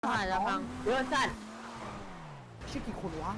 หายแล้วฟังเยอะจัดชื่อกี่คนวะ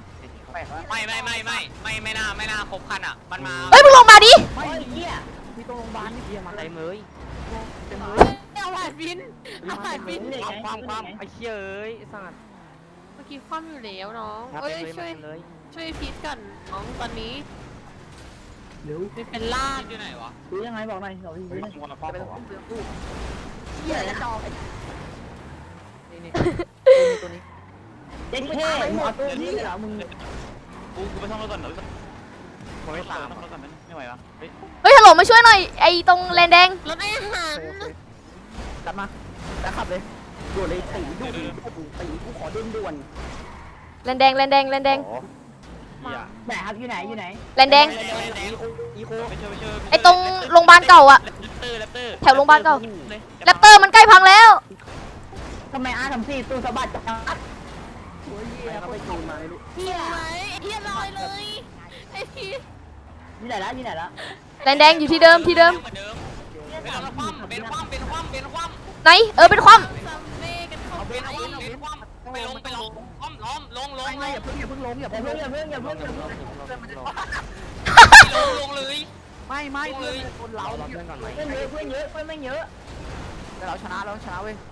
ไม่น่าครบคันอ่ะมันมาเฮ้ยมึงลงมาดิไม่เหี้ยมีตรงโรงพยาบาลนี่เหี้ยมาอะไรเมยเต็มเลยเอาผ่านบินเอาผ่านบินความไอ้เชี่ยเอ้ยสัตว์เมื่อกี้คว่ำอยู่แล้วน้องมาเอ้ยเลยมาเลยช่วยพีทกันน้องตอนนี้เร็วไม่เป็นลาดอยู่ไหนวะดูยังไงบอกหน่อยเราที่นี่มัวมาพ่อไปผตรงมตู้ตู้เหี้ยแล้วจองนี่ตัวนี้เจ๊เท่หมอตู้นี่เหรอมึงกูไปซ่อมรถก่อนเดี๋ยวผมไม่ตามซ่อมรถก่อนไม่ไหวปะเฮ้ยเฮ้ยฮัลโหลมาช่วยหน่อยไอ้ตรงแลนแดงรถอาหารกลับมาแล้วขับเลยด่วนเลยตีด่วนตีกูขอด่วนด่วนแลนแดงแลนแดงแลนแดงไหนครับอยู่ไหนอยู่ไหนแลนแดงอีโคไปเชิญไอ้ตรงโรงพยาบาลเก่าอะแรปเตอร์แถวโรงพยาบาลเก่าแรปเตอร์มันใกล้พังแล้วทำไมอาทำสี่ตู้สะบัดจังโอ้ยเหี้ยเขาไปจูนมาไม่รู้เฮียไหมเฮียลอยเลยไอ้พีทอยู่ไหนละอยู่ไหนละแลนแดงอยู่ที่เดิมที่เดิมเหมือนเดิมเป็นคว่ำไหนเป็นความซัมเบ้กันเข้าไปไปลงคว่ำล้มลงไม่อย่าเพิ่งลงอย่าเพิ่งอย่าเพิ่งลงเลยไม่เพื่อนคนเราเราเพื่อนก่อนไหมเพื่อนเยอะเพื่อนเยอะเพื่อนไม่เยอะแต่เราชนะเว้ย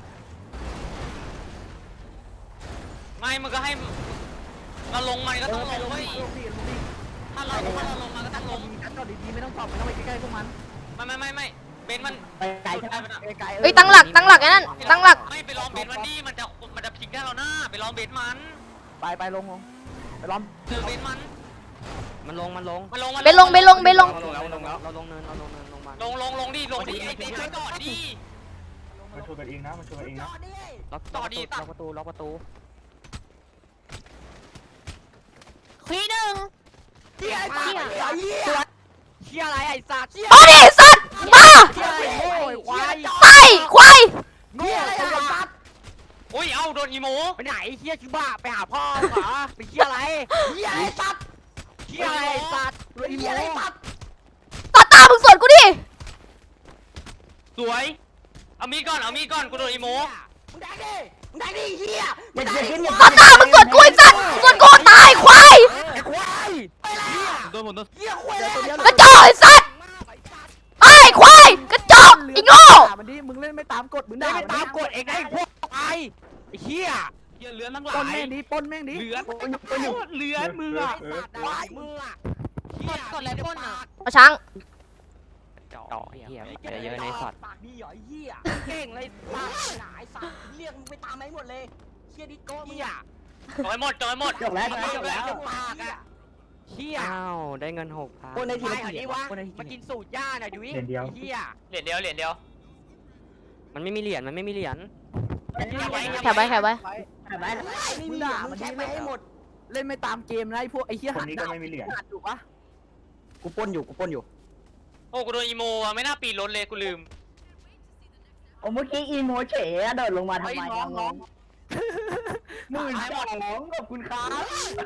ไม่มันก็ให้เราลงมันก็ต้องลงเว้ยถ้าเราลงมันก็ต้องลงจอดดีๆไม่ต้องจอดไม่ต้องไปใกล้ๆพวกมันไม่เบนมันไปไกลใช่ไหมไกลเฮ้ยตั้งหลักไอ้นั่นตั้งหลักไม่ไปลองเบนมันดิมันจะพลิกได้เราหน้าไปลองเบนมันไปลงไปล้อมเจอเบนมันมันลงเบนลงเราลงเนินลงมาลงดิไอ้เบนจอดดิมันชวนกันเองนะล็อกประตูคุยหนึ่งเชี่ยอะไรไอ้สัตว์มาดิสัตว์มาเชี่ยอะไรโง่ควายตายควายโง่ไอ้สัตว์อุ้ยเอ้าโดนอีโมไปไหนเชี่ยชิบ้าไปหาพ่อเหรอไปเชี่ยอะไรเชี่ยอะไรสัตว์เชี่ยอะไรสัตว์เชี่ยอะไรสัตว์ตามึงสวนกูดิสวยเอามีดก่อนกูโดนอีโมมึงแดงดิเชี่ยอย่าขึ้นอย่าตามึงสวนกูไอ้สัตว์สวนกูตายควายไอ้ควายไปแล้วโดนหมดเชี่ยควายแล้วกระจอกไอ้สัตว์ไอ้ควายกระจอกไอ้โง่มันดิมึงเล่นไม่ตามกฎมึงได้ด่าไปตามกฎเองนะไอ้พวกไอ้เชี่ยเหี้ยเลือนทั้งหลาปนยแม่งดิปนแม่งดิเลือนเลือนมืออ่ะไอ้สัตว์ควายมึงอ่ะกดอะไรพ่นอ่ะเอาช้างจ่อเหี้ยเยอะในสัตว์ปากดีหรอเหี้ยเก่งเลยปากหนาไอ้สัตว์เรียกมึงไปตามไหนหมดเลยเชี่ยดิโก้เหี้ยจอยหมดจบแล้วปากอ่ะเชี่ยอ้าวได้เงิน6,000 คนในทีไปมอันนี้วะมากินสูตรย่าหน่อยดูดิเหี้ยเหรียญเดียวมันไม่มีเหรียญแถวไว้ไม่มีด่ามันแค่ไม่ให้หมดเล่นไม่ตามเกมนะไอ้พวกไอ้เหี้ยคนนี้ก็ไม่มีเหรียญถูกปะกูปนอยู่โอ้กูโดนอีโมอ่ะไม่น่าปีนรถเลยกูลืมโอ้เมื่อกี้อีโมเฉยโดดลงมาทำไมน้อง12,000ขอบคุณครับ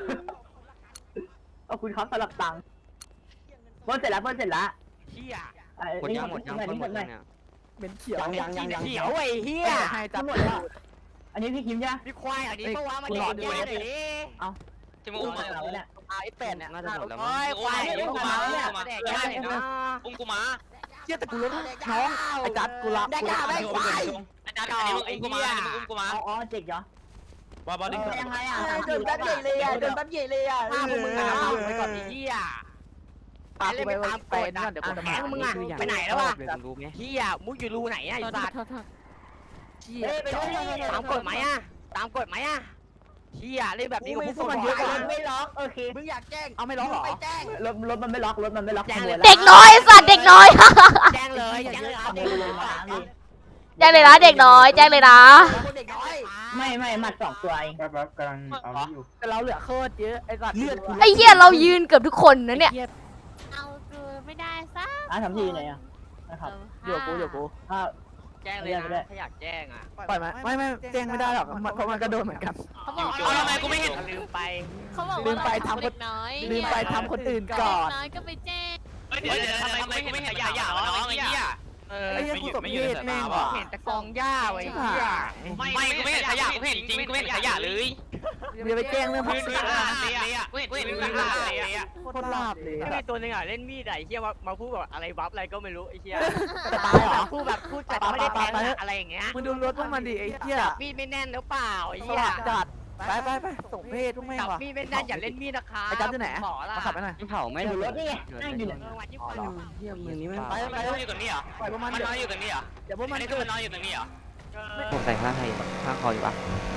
ขอบคุณครับสำหรับตังค์เพิ่มเสร็จแล้วเหี้ยหมดยังเนี่ยเป็นเขียวยังเขียวไอ้เหี้ยให้จับหมดแล้วอันนี้พี่คิมใช่ไหมมีควายอันนี้เพราะว่ามันเด็กย่าหน่อยดิที่มึงอุ้มมาเราเนี่ยไอ้8เนี่ยน่าจะหมดแล้วโอ้มั้งยควายเด็กมาเนี่ยเด็กย่าหน่อยนะอุ้มกูมาเชี่ยแต่กูรู้น้องไอ้จัดกูรับได้กล้าได้ควายอาจารย์อันนี้มึงอุ้มกูมาอ๋อเจ๊กเหรอว่าบอลดิ้งยังไงอ่ะโดนแป๊บใหญ่เลยอ่ะโดนแป๊บใหญ่เลยอ่ะฆ่าพวกมึงอ่ะไปก่อนไอ้เหี้ยปากไปตามกฎนะเดี๋ยวกูจะแหมมึงอ่ะไปไหนแล้ววะเลยรู้ไหมเหี้ยมุกอยู่รูไหนอ่ะไอ้สัตว์เชี่ยตามกฎไหมอ่ะตามกฎไหมอ่ะเหี้ยเล่นแบบนี้กับพวกมันมึงเยอะไม่ล็อกโอเคมึงอยากแจ้งเอาไม่ล็อกหรอไปแจ้งรถมันไม่ล็อกเด็กน้อยไอ้สัตว์เด็กน้อยแจ้งเลยแจ้งเลยครับแจ้งเลยนะเด็กน้อยแจ้งเลยนะเด็กน้อยไม่หมัด2ตัวเองแป๊บกำลังเอานี่อยู่แต่เราเหลือโคตรเยอะไอ้สัตว์เลือดไอ้เหี้ยเรายืนเกือบทุกคนนะเนี่ยเอาคือไม่ได้ซะทำที่ไหนอ่ะนะครับอยู่กูถ้าแจ้งเลยนะถ้าอยากแจ้งอ่ะปล่อยไหมไม่แจ้งไม่ได้หรอกเพราะมันก็โดนเหมือนกันเขาบอกเอาทำไมกูไม่เห็นลืมไปเขาบอกลืว่ามไปเราทำเด็กน้อยลืมไปทำคนอื่นก่อนน้อยก็ไปแจ้งเดี๋ยวทำไมกูไม่เห็นขยะน้องไอ้เหี้ยไอ้เหี้ยกูสมเพศแม่งว่ะเห็นแต่กองหญ้าไว้เหี้ยไม่กูไม่เห็นขยะกูเห็นจริงกูไม่เห็นขยะเลยอย่าไปแจ้งเรื่องพักกูเสีเห็ยนขยะกูเห็นขยะเลยโคตรลาบเลยมีตัวนึงอ่ะเล่นมีดไอ้เหี้ยมาพูดแบบอะไรบัฟอะไรก็ไม่รู้ไอ้เหี้ยจะตายเหรอพูดแบบพูดจัดไม่ได้แทงอะไรอย่างเงี้ยมึงดูรถพวกมันดิไอ้เหี้ยมีดไม่แน่นหรือเปล่าไอ้สเหี้ยวัสดจัดไปส่งเพศทุกแม่งจับว่ะมีดไม่แน่นอย่าเล่นมีดนะคะไอ้จัดที่ไหนหมอละมาขับไปหน่อยเผาไม่ถูกรถนี่ไงนั่งอยู่เนี่ยวันที่อ๋อฟันเหรอเฮียมือนี้ไม่ไปมันนอนอยู่ตรงนี้เหรอปล่อยพวกมันมันนอนอยู่ตรงนี้เหรอเดี๋ยวพวกมัมัน นนี่คือมันนอนอยู่ตรงนี้เหรอผมใส่ผ้าไทยผ้าคออยู่ปะ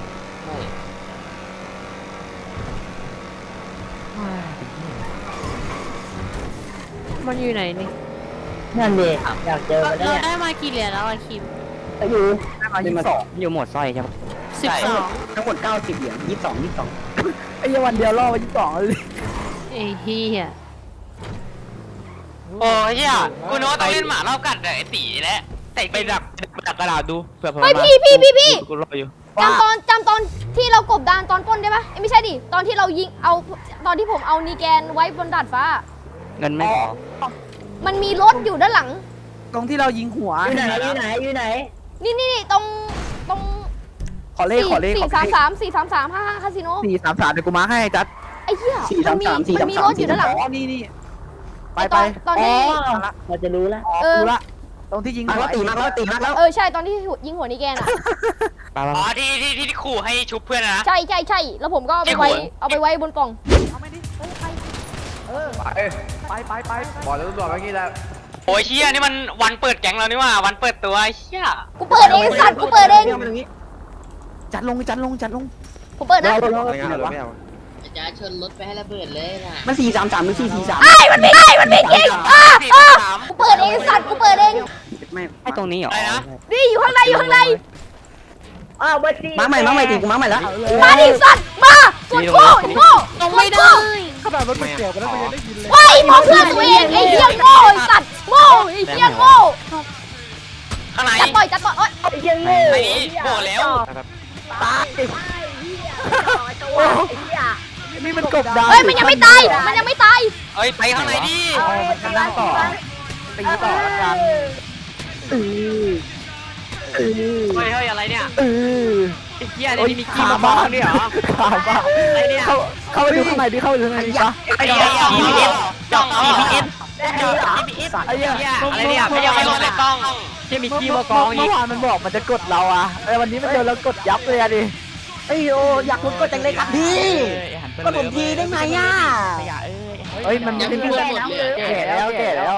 มันอยู่ไหนนี่นั่นเลยอยากเจอเราเนี่ยได้มากี่เหรียญแล้วอะคิมอยู่22 อยู่หมดสร้อยใช่ปะ 12 ทั้งหมด90เหรียญ22ไอ้ยังวันเดียวล่อไป22เลยไอ้เหี้ยโอ้ยเฮียกูนึกว่าต้องเล่นหมารอบกัดไอ้ตีแหละแต่ไปดักกระดาษดูเผื่อเฮ้ยพี่กูรออยู่จำตอนที่เรากบดานตอนปล้นได้ปะเอ้ยไม่ใช่ดิตอนที่เรายิงเอาตอนที่ผมเอานีแกนไว้บนดาดฟ้าเงินไม่พอมันมีรถอยู่ด้านหลังตรงที่เรายิงหัวนี่ตรงขอเลข 433 55คาสิโน 433เดี๋ยวกูมาให้จัดไอ้เหี้ยมันมีรถอยู่ด้านหลังอ๋อนี่ไปตอนที่เราจะรู้แล้วเออรู้ละตรงที่ยิงหัวตีมากแล้วเออใช่ตอนที่ยิงหัวนีแกนอ่ะปลาอ๋อที่ขู่ให้ชุบเพื่อนนะใช่แล้วผมก็เอาไปไว้บนกล่องเอาไม่ดิไปบอกแล้วบอกเมื่อกี้แล้วโอ้ยเฮียนี่มันวันเปิดแก๊งแล้วนี่ว่าวันเปิดตัวไอ้เฮียกูเปิดเองสัตว์กูเปิดเองจัดลงผมเปิดนะจะชนรถไปให้ระเบิดเลยนะมัน433หรือ443 ไอ้มันไม่เก่งกูเปิดเองสัตว์กูเปิดเองไอ้ตรงนี้เหรอนี่อยู่ข้างในมาใหม่ตีกูมาใหม่แล้วมาดิสัตว์มากดโง่ลงไม่ได้ขนาดรถมันเกี่ยวกันแล้วมันยังได้ยินเลยไว้มองเพื่อนตัวเองไอ้เหี้ยโง่ไอ้สัตว์โง่ไอ้เหี้ยโง่ข้างในจัดต่อยโอ๊ยไอ้นี้โง่แล้วตายนี่มันกบดาวเฮ้ยมันยังไม่ตายเอ้ยไปข้างในดิมันนั่งต่อตีต่อละกันเฮ้ยอะไรเนี่ยไอ้เหี้ยนี่มีขี้มาบ้างเนี่ยเหรอข่าวบ้าไอ้เนี่ยเข้าไปดูข้างในดิเข้าไปดูข้างในดิปะไอ้เหี้ยจ้องเอาไอ้เหี้ยอะไรเนี่ยไม่ยังไม่ลงในกล้องที่มีขี้มากองอีเมื่กอวานมันบอกมันจะกดเราอ่ะไอ้วันนี้มันโดนเรากดยับเลยอะดิไอ้โยอยากกดจังเลยครับพี่ก็ผมทีได้ไหมอ่ะเฮ้ยมันไม่ได้ยังไม่พูดหมดเลยแก่แล้ว